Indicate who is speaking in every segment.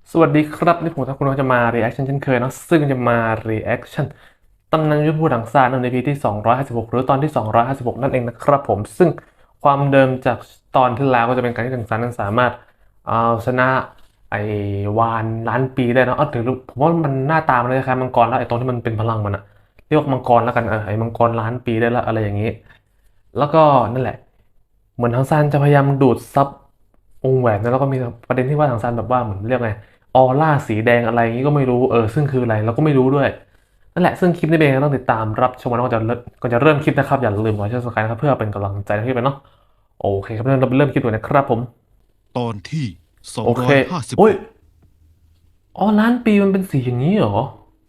Speaker 1: สวัสดีครับนี่ผมทักคุณว่าจะมา reaction เช่นเคยเนาะซึ่งจะมา reaction ตำนานยุทธภูมิถังซานใน EP ที่256หรือตอนที่256นั่นเองนะครับผมซึ่งความเดิมจากตอนที่แล้วก็จะเป็นการที่ถังซานนั้นสามารถเอาชนะไอ้วานล้านปีได้เนอะถือผมว่ามันหน้าตามันคล้ายๆมังกรแล้วไอ้ตรงที่มันเป็นพลังมันอะเรียกว่ามังกรแล้วกันไอ้มังกรล้านปีได้แล้วอะไรอย่างนี้แล้วก็นั่นแหละเหมือนทังซานจะพยายามดูดซับวงแหวนนะแล้วก็มีประเด็นที่ว่าทังซานแบบว่าเหมือนเรียกไง ออร่าสีแดงอะไรอย่างนี้ก็ไม่รู้ซึ่งคืออะไรเราก็ไม่รู้ด้วยนั่นแหละซึ่งคลิปนี้เองต้องติดตามรับชมนะก่อนจะเริ่มคลิปนะครับอย่าลืมกด subscribe นะครับเพื่อเป็นกำลังใจให้พี่เป็นเนาะโอเคครับเราเริ่มคลิปดูนะครับผม
Speaker 2: ตอนที่
Speaker 1: โอเคโอ้ย
Speaker 2: 256
Speaker 1: อ๋อล้านปีมันเป็นสีอย่างนี้เหรอ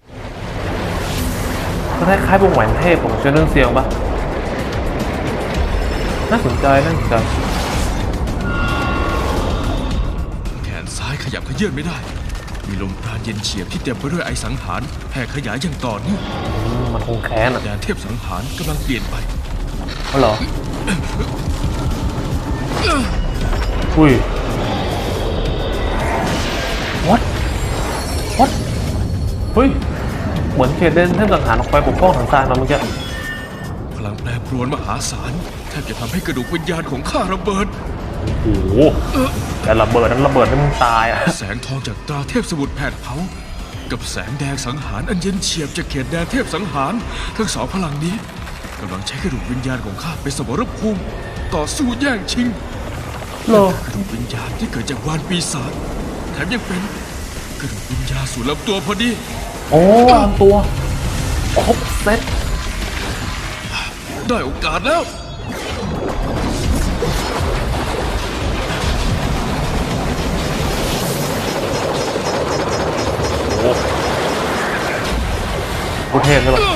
Speaker 1: ก็คล้ายๆวงแหวนเทพของเชนเรื่องเซียงปะน่าสนใจ
Speaker 2: แขนซ้ายขยับเขยื่อนไม่ได้ มีลมปราณเย็นเฉียบที่เต็มไปด้วยไอสังหารแผ่ขยายอย่างต่อเนื่อง
Speaker 1: มันคงแค้นอ่ะ
Speaker 2: แดนเทพสังหารกำลังเปลี่ยนไป
Speaker 1: อ๋อเหรออุ้ย what what เฮ้ยเหมือนเขตเดนเทพสังหารออกไปปกป้องถังซานมาเมื่อกี้
Speaker 2: พลังแปรปรวนมหาศาลแทบจะทำให้กระดูกวิญญาณของข้าระเบิด
Speaker 1: โอ้โหแต่ระเบิดนั้นระเบิดให้มึงตายอ่ะ
Speaker 2: แสงทองจากตราเทพสมุทรแผดเผากับแสงแดงสังหารอันเย็นเฉียบจากเขตแดนเทพสังหารทั้งสองพลังนี้กำลังใช้กระดูกวิญญาณของข้าเป็นสมรภูมิต่อสู้แย่งชิง
Speaker 1: โล
Speaker 2: กระดูกวิญญาณที่เกิดจากวานปีศาจแถมยังเป็นกระดูกวิญญาณสู่ลำตัวพอดี
Speaker 1: โอ้ลำตัวครบเซ็ต
Speaker 2: ได้โอกาสแล้ว
Speaker 1: โอ้โหเทพเลยแบบ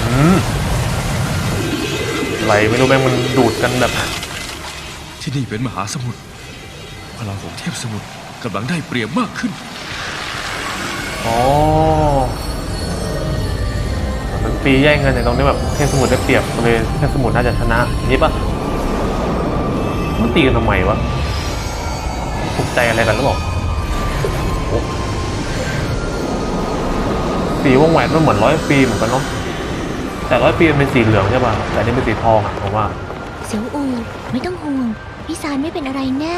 Speaker 1: ไหลไม่รู้แม่งมันดูดกันแบบ
Speaker 2: ที่นี่เป็นมหาสมุทรพลังของเทพสมุทรกำลังได้เปรียบมากขึ้น
Speaker 1: อ๋อมันปีแย่งกันในตรงนี้แบบเทพสมุทรได้เปรียบเลยเทพสมุทรน่าจะชนะนี่ปะมันตีกันทำไมวะถูกใจอะไรกันหรือเปล่าสีวงแหวนมันเหมือน100 ปีเหมือนกันเนาะแต่100 ปีมันเป็นสีเหลืองใช่ป่ะแต่นี่เป็นสีทองอ่ะผมว่า
Speaker 3: เสียวอูไม่ต้องห่วงพี่ซานไม่เป็นอะไรแน่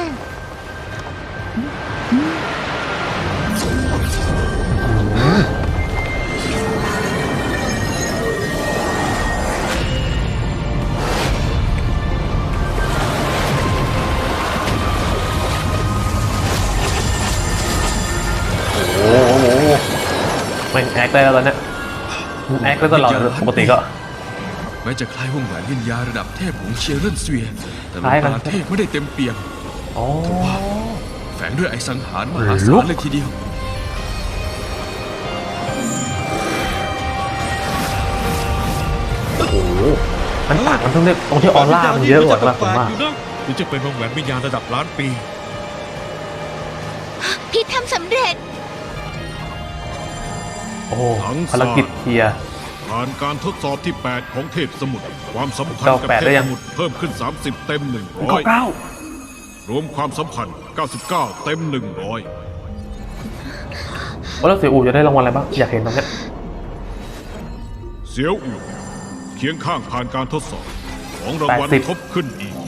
Speaker 1: โอ้โหไม่แอคได้แล้วตอนเนี้ยแอคได้ตลอดปกติก็
Speaker 2: แม้จะคล้ายวงแหวนวิญญาณระดับเทพของเชียร์เรนเซียแต่ลมปราณเทพไม่ได้เต็มเปี่ยมทว่าแฝงด้วยไอสังหารมหาศาลเลยทีเดียว
Speaker 1: โอ้โหมันต่างกันตรงที่ออร่ามันเยอะกว่าป่ะผมว่า
Speaker 4: หรือจะเป็นวงแหวนวิญญาณระดับล้านปี
Speaker 3: พี่ทำสำเร็จ
Speaker 1: โอ้ภารกิจเคลียร์
Speaker 4: ผ่านการทดสอบที่ 8 ของเทพสมุทรความสัมพันธ์กับเทพสมุทรเพิ่มขึ้น30เต็ม100รวมความสัมพันธ์99เต็ม100
Speaker 1: แล้วเสี่ยวอูจะได้รางวัลอะไรบ้างอยากเห็นตรงนี้
Speaker 4: เสียวอูเคียงข้างผ่านการทดสอบของรางวัลทบขึ้นอีก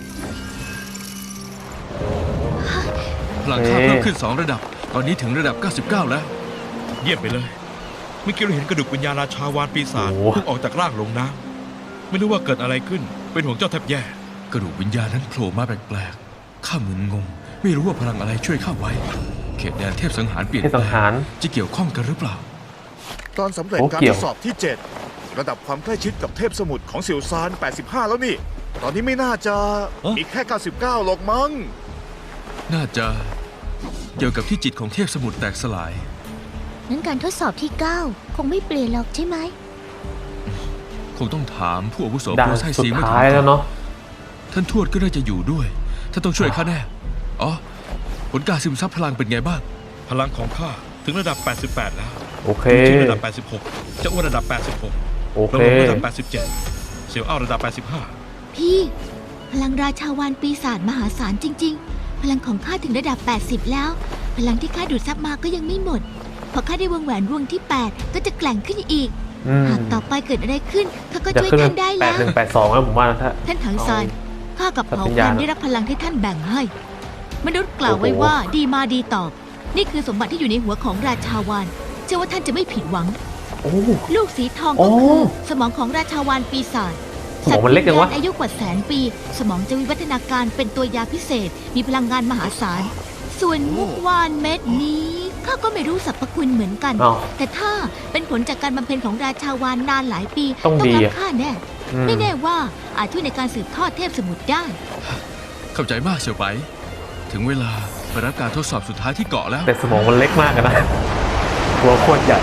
Speaker 2: พลังข้าเพิ่มขึ้น2ระดับตอนนี้ถึงระดับ99แล้ว
Speaker 4: เยี่ยมไปเลยเมื่อกี้เราเห็นกระดูกวิญญาณราชาวานปีศาจเพิ่งออกจากร่างลงน้ำไม่รู้ว่าเกิดอะไรขึ้นเป็นห่วงเจ้าแทบแย่
Speaker 2: กระดูกวิญญาณนั้นโผล่มาแปลกๆข้ามึนงงไม่รู้ว่าพลังอะไรช่วยข้าไว้เขตแดนเทพสังหารเปลี่ยนแปลงจะเกี่ยวข้องกันหรือเปล่า
Speaker 5: ตอนสำเร็จการทดสอบที่ 7ระดับความใกล้ชิดกับเทพสมุทรของเสี่ยวซาน85แล้วนี่ตอนนี้ไม่น่าจะมีแค่99หรอกมั้ง
Speaker 2: น่าจะเกี่ยวกับที่จิตของเทพสมุทรแตกสลาย
Speaker 3: งั้นการทดสอบที่9คงไม่เปลี่ยนหรอกใช่ไหม
Speaker 2: คงต้องถามผู้อาวุโสโปรไซซี
Speaker 1: ไม่ท้ายแล้วเนาะ
Speaker 2: ท่านทวดก็น่าจะอยู่ด้วยท่านต้องช่วยข้าแน่อ๋อผลการซึมซับพลังเป็นไงบ้าง
Speaker 4: พลังของข้าถึงระดับ88แล้ว
Speaker 1: โอเค
Speaker 4: ระดับ86เจ้าอ้วนระดับ86
Speaker 1: โอเค
Speaker 4: ระดับ87เสี่ยวอ้าวระดับ85
Speaker 3: พี่พลังราชาวานปีศาจมหาศาลจริงๆพลังของข้าถึงระดับ80แล้วพลังที่ข้าดูดซับมาก็ยังไม่หมด พอข้าได้วงแหวนวงที่ 8 ก็จะแกร่งขึ้นอีก หากต่อไปเกิดอะไรขึ้นข้าก็
Speaker 1: จะ
Speaker 3: ช่วย
Speaker 1: ขึ้นเป็
Speaker 3: ท่าน นได้แล้ว
Speaker 1: 8182แล้วผมว่านะถ้า
Speaker 3: ท่านถังซานข้ากับ
Speaker 1: สัตว์
Speaker 3: เผ่า
Speaker 1: วิญญา
Speaker 3: พั
Speaker 1: ณ
Speaker 3: นธุ์ได้รับพลังที่ท่านแบ่งให้ มนุษย์กล่าวไว้ว่าดีมาดีตอบ นี่คือสมบัติที่อยู่ในหัวของราชาวานเชื่อว่าท่านจะไม่ผิดหวัง
Speaker 1: โอ้
Speaker 3: ลูกสีทอง
Speaker 1: โอ้
Speaker 3: ก็คือสมองของราชาวานปีศาจ
Speaker 1: สมองมันเล็กจังวะ
Speaker 3: สัตว์วิญญาณอายุกว่าแสนปี สมองจะวิวัฒนาการเป็นตัวยาพิเศษ มีพลังงานมหาศาล ส่วนมุกวานเม็ดนี้ข้าก็ไม่รู้สรรพคุณเหมือนกัน
Speaker 1: อ้าว
Speaker 3: แต่ถ้าเป็นผลจากการบำเพ็ญของราชาวานนานหลายปี
Speaker 1: ต้องดี
Speaker 3: รับ
Speaker 1: อะ
Speaker 3: ค่าแน่
Speaker 1: อืม
Speaker 3: ไม่แน่ว่าอาจช่วยในการสืบทอดเทพสมุทรได้
Speaker 2: เข้าใจมากเสี่ยวไป ถึงเวลาไปรับการทดสอบสุดท้ายที่เกาะแล้ว
Speaker 1: แต่สมองมันเล็กมากอะนะตัวโคตรใหญ่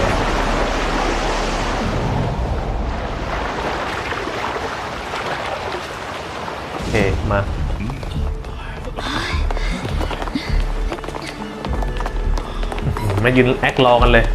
Speaker 1: โอเคมามายืนแอครอกันเลย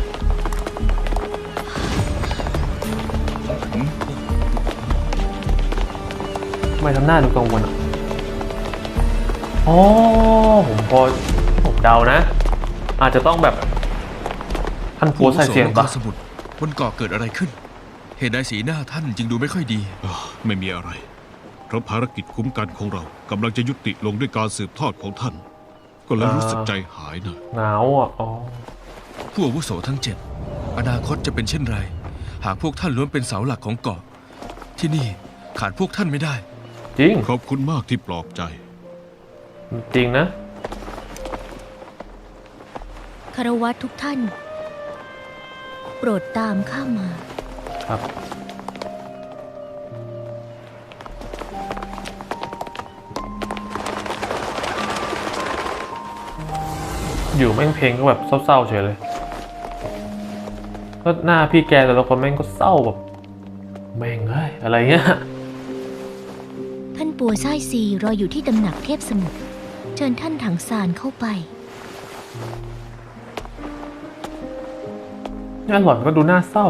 Speaker 1: ทำไมทำหน้าดูกังวลอ่ะอ๋อผมเดานะ อาจจะต้องแบบท่านปัวใส่เสียง
Speaker 2: ผู้
Speaker 1: ปะ
Speaker 2: อาวุโสมังกรสมุทรบนเกาะเกิดอะไรขึ้น เหตุใดสีหน้าท่านจึงดูไม่ค่อยดี
Speaker 4: ไม่มีอะไร เพราะภารกิจคุ้มกันของเรากำลังจะยุติลงด้วยการสืบทอดของท่าน ก็เลยรู้สึกใจหายนะ
Speaker 1: เหงาอ่ะอ๋อ
Speaker 2: ผู้อาวุโสทั้ง 7 อนาคตจะเป็นเช่นไร หากพวกท่านล้วนเป็นเสาหลักของเกาะ ที่นี่ขาดพวกท่านไม่ได้
Speaker 1: จริง
Speaker 4: ขอบคุณมากที่ปลอบใจ
Speaker 1: จริงนะ
Speaker 3: คารวะทุกท่าน โปรดตามข้ามา
Speaker 1: ครับ อยู่แม่งเพลงก็แบบเศร้าๆเฉยเลยก็หน้าพี่แกแต่ละคนแม่งก็เศร้าแบบแม่งเอ้ยอะไรเงี้ย
Speaker 3: ท่านปัวไส้ซีรออยู่ที่ตำหนักเทพสมุทรเชิญท่านถังซานเข้าไป
Speaker 1: งานหล่อนก็ดูน่าเศร้า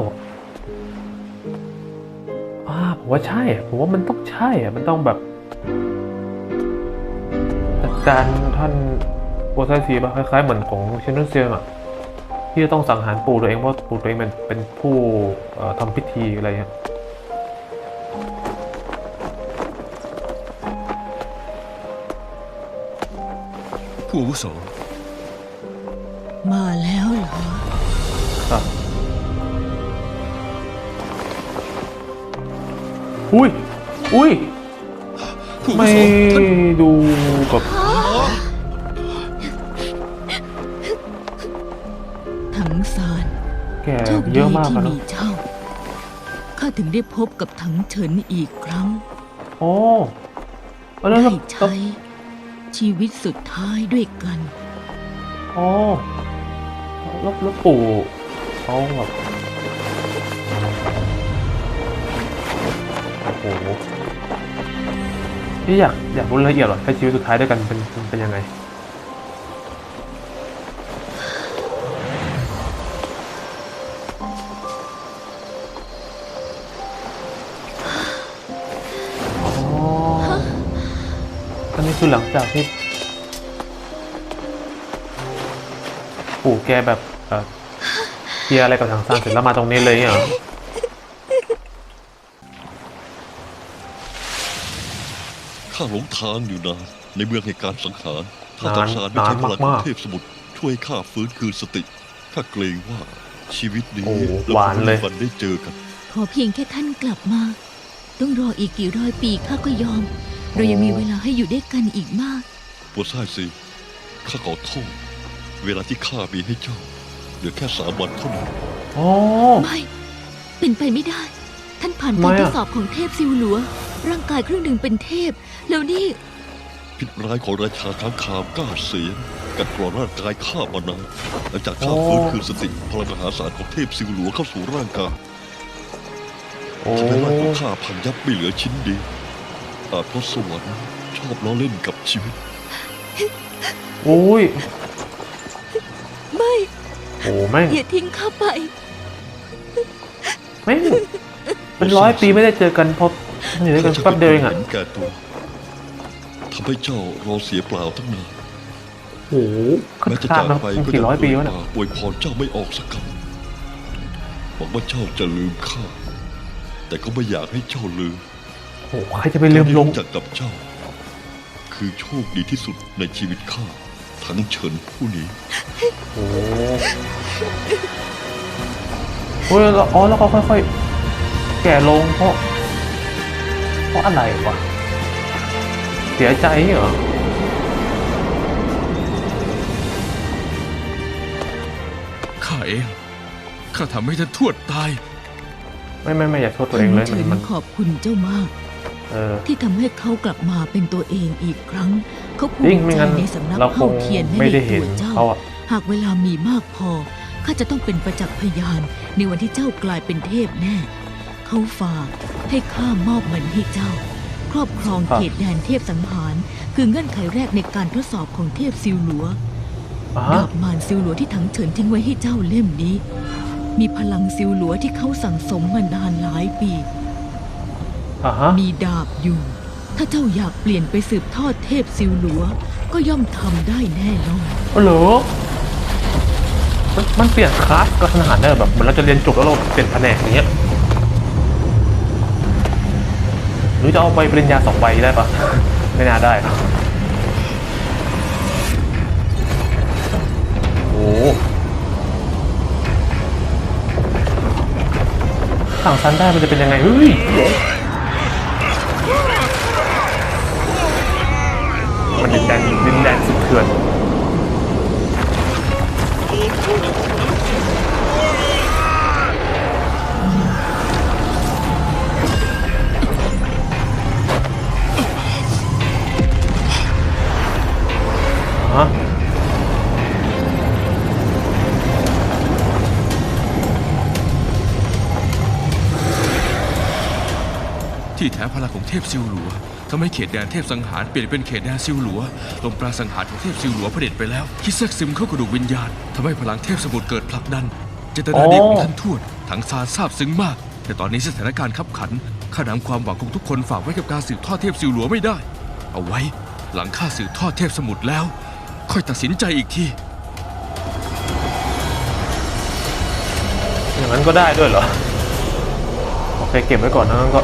Speaker 1: ผมว่าใช่อะผมว่ามันต้องใช่อะมันต้องแบบจัดการท่านโอไซซีป่ะคล้ายๆเหมือนของเชนนอนเซียงอะที่จะต้องสังหารปู่ตัวเองเพราะปู่ตัวเองเป็นผู้ทำพิธีอะไรเงี้ย
Speaker 2: ผู้อาวุโส
Speaker 3: มาแล้วเหรอ
Speaker 1: ครับ อุ้ย
Speaker 2: ผู้อาวุ
Speaker 1: ไม่
Speaker 2: โสท่าน
Speaker 1: ดูกับ
Speaker 6: ถังซาน
Speaker 1: แก
Speaker 6: โชค
Speaker 1: เย
Speaker 6: ดี
Speaker 1: อะมาก
Speaker 6: ที่
Speaker 1: อะ
Speaker 6: มี
Speaker 1: เนาะ
Speaker 6: เจ้า ข้าถึงได้พบกับถังเฉินอีกครั้ง
Speaker 1: โอ้แล้ว
Speaker 6: ได้ใช้ชีวิตสุดท้ายด้วยกัน
Speaker 1: โอ้แล้วปู่เขาแบบโอ้โหที่อยากรู้รายละเอียดหรอใช้ชีวิตสุดท้ายด้วยกันเป็นยังไงอันนี้คือหลังจากที่ปู่แกแบบเคลียร์อะไรกับทางซานเสร็จแล้วมาตรงนี้เลยเหรอ
Speaker 7: ข้าหลงทางอยู่นานในเมืองแห่งการสังหาร ถ้าตังสารไม่ใช้พลังของเทพสมุทรช่วยข้าฟื้นคืนสติ ข้าเกรงว่าชีวิตนี้
Speaker 1: โอ้
Speaker 7: เรา
Speaker 1: หวาน
Speaker 7: คง
Speaker 1: เล
Speaker 7: ไม่
Speaker 1: ย
Speaker 7: มีวันได้เจอกัน
Speaker 6: ขอเพียงแค่ท่านกลับมา ต้องรออีกกี่ร้อยปีข้าก็ยอม เรายังมีเวลาให้อยู่ด้วยกันอีกมาก
Speaker 7: ปัวซ่ายซีข้าขอโทษ เวลาที่ข้ามีให้เจ้าเหลือแค่3 วันเท่านั้น
Speaker 1: โอ้
Speaker 6: ไม่ เป็นไปไม่ได้ ท่านผ่าน
Speaker 1: ทำไม
Speaker 6: การ
Speaker 1: อะ
Speaker 6: ทดสอบของเทพซิวหลัว ร่างกายครึ่งหนึ่งเป็นเทพ แล้วนี่
Speaker 7: พิษร้ายของราชาค้างคาวกล้าเสียงกัดกร่อนร่างกายข้ามานานหลังจากข้าฟื้นคืนสติพลังมหาศาลของเทพซิวหลัวเข้าสู่ร่างกาย
Speaker 1: โอ้
Speaker 7: ทำให้ร่างของข้าพังยับไม่เหลือชิ้นดีอาจเพราะสวรรค์ชอบล้อเล่นกับชีวิต
Speaker 1: โอ้ย
Speaker 6: ไม่
Speaker 1: โอ้แม่ง
Speaker 6: อย่าทิ้งข้าไป
Speaker 1: แม่งเป็น100 ปีไม่ได้เจอกันเพราะอยู่ด้วยกันแป๊บเดียวเองอะ
Speaker 7: เห็นแก่ตัวทำให้เจ้ารอเสียเปล่าตั้งนาน
Speaker 1: โอ้โห
Speaker 7: แม้จะ
Speaker 1: ข้า
Speaker 7: จาม ก
Speaker 1: มา
Speaker 7: ไปก็
Speaker 1: กี่
Speaker 7: ยัง
Speaker 1: ร้อยปีวะ
Speaker 7: เอ่
Speaker 1: เนี่ย
Speaker 7: ยปากอวยพรเจ้าไม่ออกสักคำหวังว่าเจ้าจะลืมข้าแต่ก็ไม่อยากให้เจ้าลืม
Speaker 1: โอ้โหใครจะไปลืมลง
Speaker 7: การได้รู้จักกับเจ้า คือโชคดีที่สุดในชีวิตข้าทั้งเฉินผู้นี้
Speaker 1: โอ้โหเฮ้ยแล้วอ๋อแล้วก็ค่อยๆแก่ลงเพราะอะไรวะเสียใจเหรอ
Speaker 2: ข้าเอง ข้าทำให้ท่านทวดตาย
Speaker 1: ไม่อยากโทษตัวเองเลย
Speaker 6: เฉิน
Speaker 1: มัน
Speaker 6: ขอบคุณเจ้ามาก ที่ทำให้เขากลับมาเป็นตัวเองอีกครั้ง เขาภู
Speaker 1: จริง
Speaker 6: มิ
Speaker 1: ไม่
Speaker 6: ใจ
Speaker 1: งั้น
Speaker 6: ในสำนัก
Speaker 1: เราค
Speaker 6: เผ่าง เทียนและ
Speaker 1: ไม่
Speaker 6: ใน
Speaker 1: ได้
Speaker 6: ตั
Speaker 1: เห็น
Speaker 6: วเจ้า
Speaker 1: เขาอะ
Speaker 6: หากเวลามีมากพอข้าจะต้องเป็นประจักษ์พยานในวันที่เจ้ากลายเป็นเทพแน่ เขาฝากให้ข้ามอบมันให้เจ้า ครอบครองเขตแดนเทพสังหาร คือเงื่อนไขแรกในการทดสอบของเทพซิวหลัว
Speaker 1: อ่า
Speaker 6: ดาบมารซิวหลัวที่ถังเฉินทิ้งไว้ให้เจ้าเล่มนี้ มีพลังซิวหลัวที่เขาสั่งสมมานานหลายปี
Speaker 1: ฮะ
Speaker 6: มีดาบอยู่ ถ้าเจ้าอยากเปลี่ยนไปสืบทอดเทพซิวหลัว ก็ย่อมทำได้แน่นอน
Speaker 1: อ๋อเหรอมันเปลี่ยนคลาสก็ขนาดได้แบบเหมือนเราจะเรียนจบแล้วเราเปลี่ยนแผนกอย่างเงี้ยหรือจะเอาใบปริญญา2 ใบได้ปะ ไม่น่าได้นะโอ้สั่งซันได้มันจะเป็นยังไงเฮ้ยมันดินแดนสุดเถื่อนฮะ
Speaker 2: ที่แท้พลังของเทพซิวหลัวทำให้เขตแดนเทพสังหารเปลี่ยนเป็นเขตแดนซิวหลัวลมปราณสังหารของเทพซิวหลัวเผด็จไปแล้วคิดแทรกซึมเข้ากระดูกวิญญาณทำให้พลังเทพสมุทรเกิดผลักดันเจตนาดีของท่านทวดถังซานซาบซึ้งมาก แต่ตอนนี้สถานการณ์ขับขันข้านำความหวังของทุกคนฝากไว้กับการสืบทอดเทพซิวหลัวไม่ได้ เอาไว้หลังข้าสืบทอดเทพสมุทรแล้ว ค่อยตัดสินใจอีกที
Speaker 1: อย่างนั้นก็ได้ด้วยเหรอ โอเคเก็บไว้ก่อนนะงั้นก็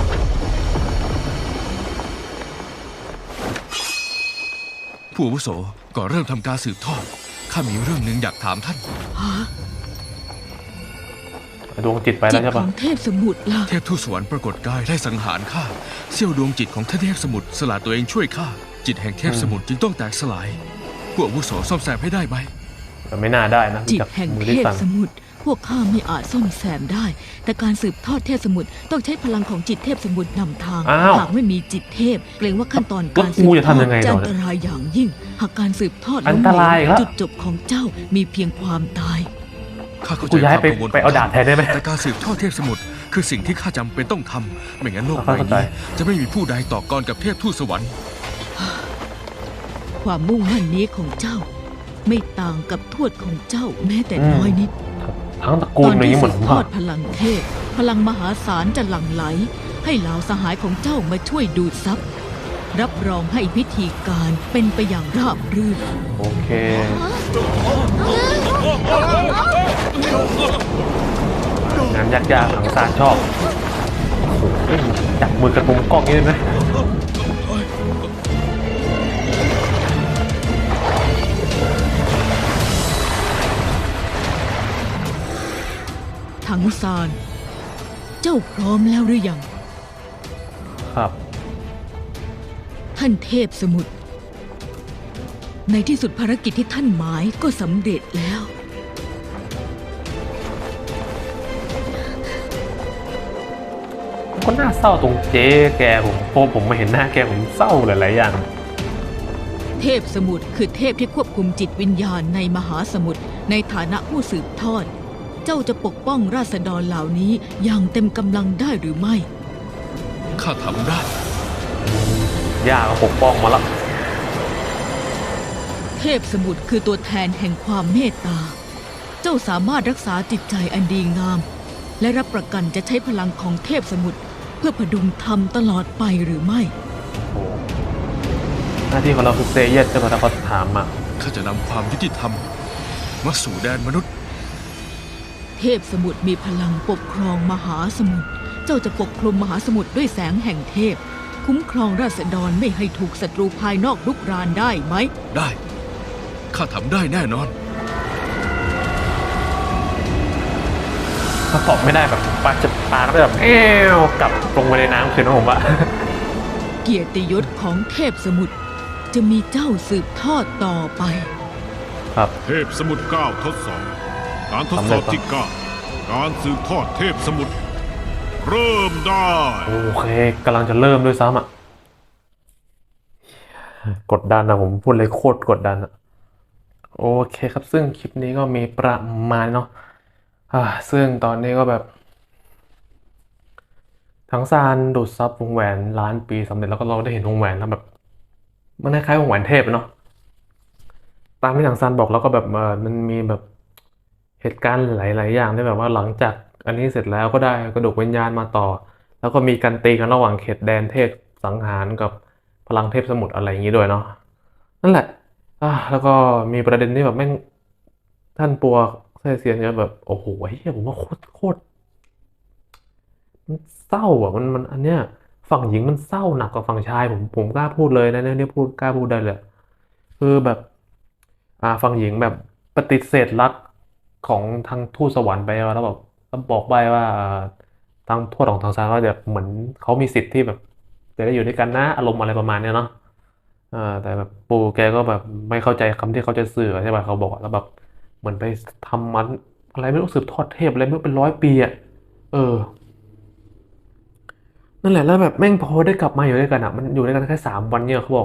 Speaker 2: ผู้อาวุโสก่อนเริ่มทำการสืบทอดข้ามีเรื่องหนึ่งอยากถามท่าน
Speaker 1: ดวงจิตไป
Speaker 6: จิ
Speaker 1: แล้ว
Speaker 6: ต
Speaker 1: ใช่
Speaker 6: ข
Speaker 1: ปะ
Speaker 6: องเทพสมุทรล่ะ
Speaker 2: เทพทูตสวรรค์ปรากฏกายได้สังหารข้าเสี้ยวดวงจิตของท่านเทพสมุทรสละตัวเองช่วยข้าจิตแห่งเทพสมุทรจึงต้องแตกสลายผู้อาวุโสซ่อมแซมให้ได้ไหม
Speaker 1: แต่ไม่น่าได้นะ
Speaker 6: จิต
Speaker 1: จาก
Speaker 6: แห่ง
Speaker 1: มือ
Speaker 6: เท
Speaker 1: ที่
Speaker 6: พ
Speaker 1: สั่น
Speaker 6: สมุทรพวกข้าไม่อาจซ่อมแซมได้ แต่การสืบทอดเทพสมุทรต้องใช้พลังของจิตเทพสมุทรนำทาง
Speaker 1: อ้าว
Speaker 6: หากไม่มีจิตเทพเกรงว่าขั้นตอน
Speaker 1: แล้ว
Speaker 6: การสืบ
Speaker 1: กู
Speaker 6: ท
Speaker 1: จะ
Speaker 6: อ
Speaker 1: ทำยั
Speaker 6: ด
Speaker 1: งไง
Speaker 6: จะ
Speaker 1: ต่อ
Speaker 6: อันตรายอย่างยิ่ง หากการสืบทอด
Speaker 1: อันตรายอีกแล้ว
Speaker 6: จุดจบของเจ้ามีเพียงความตาย
Speaker 2: ข้าเข้าใจ
Speaker 1: กูย้าย
Speaker 2: ความกังวล
Speaker 1: ไปเอาดาบแทนได้ไหม
Speaker 2: แต่การสืบทอดเทพสมุทรคือสิ่งที่ข้าจำเป็นต้องทำไม่งั้นโลกใบ
Speaker 1: เข้าใจ
Speaker 2: นี้จะไม่มีผู้ใดต่อกรกับเทพทูตสวรรค์
Speaker 6: ความมุ่งมั่นนี้ของเจ้า ไม่ต่างกับทวดของเจ้าแม้แต่น้อยนิด
Speaker 1: ทั้งตระกู
Speaker 6: ต
Speaker 1: ล
Speaker 6: อน
Speaker 1: อย่าง
Speaker 6: ที่
Speaker 1: นี้เหมื
Speaker 6: สื
Speaker 1: อน
Speaker 6: บ
Speaker 1: ผม
Speaker 6: ทอ
Speaker 1: ว่า
Speaker 6: ดพลังเทพ พลังมหาศาลจะหลั่งไหล ให้เหล่าสหายของเจ้ามาช่วยดูดซับรับรองให้พิธีการเป็นไปอย่างราบรื่น
Speaker 1: โอเคงานยากๆถังซานชอบเฮ้ยจับมือกับมุมกล้องนี้ได้ไหม
Speaker 6: ถังซาน เจ้าพร้อมแล้วหรือยัง
Speaker 1: ครับ
Speaker 6: ท่านเทพสมุทร ในที่สุดภารกิจที่ท่านหมายก็สำเร็จแล้ว
Speaker 1: ก็น่าเศร้าตรงเจ๊แกผมพอผมมาเห็นหน้าแกผมเศร้าหลายๆอย่าง
Speaker 6: เทพสมุทรคือเทพที่ควบคุมจิตวิญญาณในมหาสมุทรในฐานะผู้สืบทอด เจ้าจะปกป้องราษฎรเหล่านี้อย่างเต็มกำลังได้หรือไม่
Speaker 2: ข้าทำได้
Speaker 1: ย่าก็ปกป้องมาแล้ว
Speaker 6: เทพสมุทรคือตัวแทนแห่งความเมตตา เจ้าสามารถรักษาจิตใจอันดีงาม และรับประกันจะใช้พลังของเทพสมุทรเพื่อพดุงธรรมตลอดไปหรือไม่
Speaker 1: หน้าที่ของเราคือเซเยสใช่ไหมถ้าเขาถามมา
Speaker 2: ข้าจะนำความยุติธรรมมาสู่แดนมนุษย์
Speaker 6: เทพสมุทรมีพลังปกครองมหาสมุทร เจ้าจะปกคลุมมหาสมุทรด้วยแสงแห่งเทพ คุ้มครองราษฎรไม่ให้ถูกศัตรูภายนอกรุกรานได้ไหม
Speaker 2: ได้ ข้าทำได้แน่นอน
Speaker 1: ถ้าตอบไม่ได้แบบปาจะปาก็แบบกลับลงไปในน้ำคืนนะผมว่า
Speaker 6: เกียรติยศของเทพสมุทรจะมีเจ้าสืบทอดต่อไป
Speaker 1: ครับ
Speaker 4: เทพสมุทร9ทดสอบการทดสอบที่ 9 การสืบทอดเทพสมุทรเริ่มได้
Speaker 1: โอเคกำลังจะเริ่มด้วยซ้ำอ่ะกดดันนะผมพูดเลยโคตรกดดันอ่ะโอเคครับซึ่งคลิปนี้ก็มีประมาณเนาะซึ่งตอนนี้ก็แบบทั้งซานดูดซับวงแหวนล้านปีสำเร็จแล้วก็เราได้เห็นวงแหวนแล้วแบบมันคล้ายๆวงแหวนเทพเนาะตามที่ทางซานบอกแล้วก็แบบมันมีแบบเหตุการณ์หลายๆอย่างที่แบบว่าหลังจากอันนี้เสร็จแล้วก็ได้กระดูกวิญญาณมาต่อ แล้วก็มีการตีกันระหว่างเขตแดนเทพสังหารกับพลังเทพสมุทรอะไรอย่างนี้ด้วยเนาะนั่นแหละแล้วก็มีประเด็นที่แบบแม่งท่านปัวเซเซียนก็แบบโอ้โหเฮียผมว่าโคตรมันเศร้าอ่ะมันอันเนี้ยฝั่งหญิงมันเศร้าหนักกว่าฝั่งชายผมกล้าพูดเลยนะเนี่ยพูดกล้าพูดได้เลยคือแบบฝั่งหญิงแบบปฏิเสธรักของทางทูตสวรรค์ไปแล้วแบบบอกไปว่าทางทูตของทางซานว่าแบบเหมือนเขามีสิทธิ์ที่แบบจะได้อยู่ด้วยกันนะอารมณ์อะไรประมาณเนี้ยเนาะแต่แบบปูแกก็แบบไม่เข้าใจคำที่เขาจะสื่อใช่ป่ะเขาบอกแล้วแบบเหมือนไปทำมันอะไรไม่รู้สืบทอดเทพอะไรไม่รู้เป็น100 ปีอ่ะนั่นแหละแล้วแบบแม่งพอได้กลับมาอยู่ด้วยกันอ่ะมันอยู่ด้วยกันแค่3 วันเนี่ยเขาบอก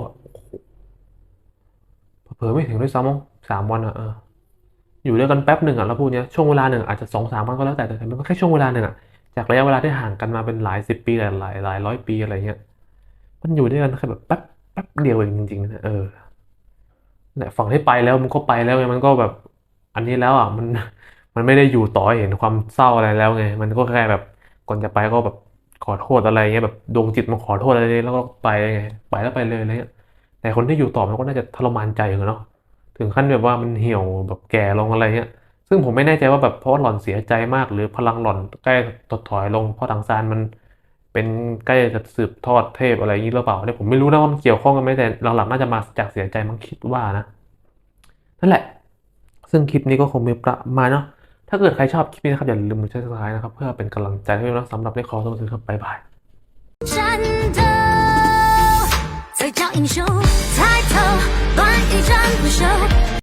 Speaker 1: เผลอๆไม่ถึงด้วยซ้ำมั้ง3 วันอ่ะอยู่ด้วยกันแป๊บหนึ่งอ่ะแล้วพูดเนี้ยช่วงเวลาหนึ่งอาจจะ2-3 วันก็แล้วแต่มันแค่ช่วงเวลาหนึ่งอ่ะจากระยะเวลาที่ห่างกันมาเป็นหลาย10 ปีหลาย100 ปีอะไรเงี้ยมันอยู่ด้วยกันแค่แบบแป๊บเดียวเองจริงๆนะเนี่ยฝั่งที่ไปแล้วมันก็ไปแล้วไงมันก็แบบอันนี้แล้วอ่ะมันไม่ได้อยู่ต่อให้เห็นความเศร้าอะไรแล้วไงมันก็แค่แบบก่อนจะไปก็แบบขอโทษอะไรเงี้ยแบบดวงจิตมาขอโทษอะไรแล้วก็ไปไงไปแล้วไปเลยอะไรเงี้ยแต่คนที่อยู่ต่อมันก็น่าจะทรมานใจอยู่เนาะถึงขั้นแบบว่ามันเหี่ยวแบบแก่ลงอะไรเงี้ยซึ่งผมไม่แน่ใจว่าแบบเพราะว่าหล่อนเสียใจมากหรือพลังหล่อนใกล้ถดถอยลงเพราะถังซานมันเป็นใกล้จะสืบทอดเทพอะไรอย่างนี้หรือเปล่าเนี่ยผมไม่รู้นะว่ามันเกี่ยวข้องกันไหมแต่หลังๆน่าจะมาจากเสียใจมั้งคิดว่านะนั่นแหละซึ่งคลิปนี้ก็คงมีประมาณเนาะถ้าเกิดใครชอบคลิปนี้นะครับอย่าลืมกด subscribe นะครับเพื่อเป็นกำลังใจให้ด้วยนะสำหรับในขอตัวสื่อครับบ๊ายบาย
Speaker 8: 战斗，才叫英雄。抬头，乱一战不休。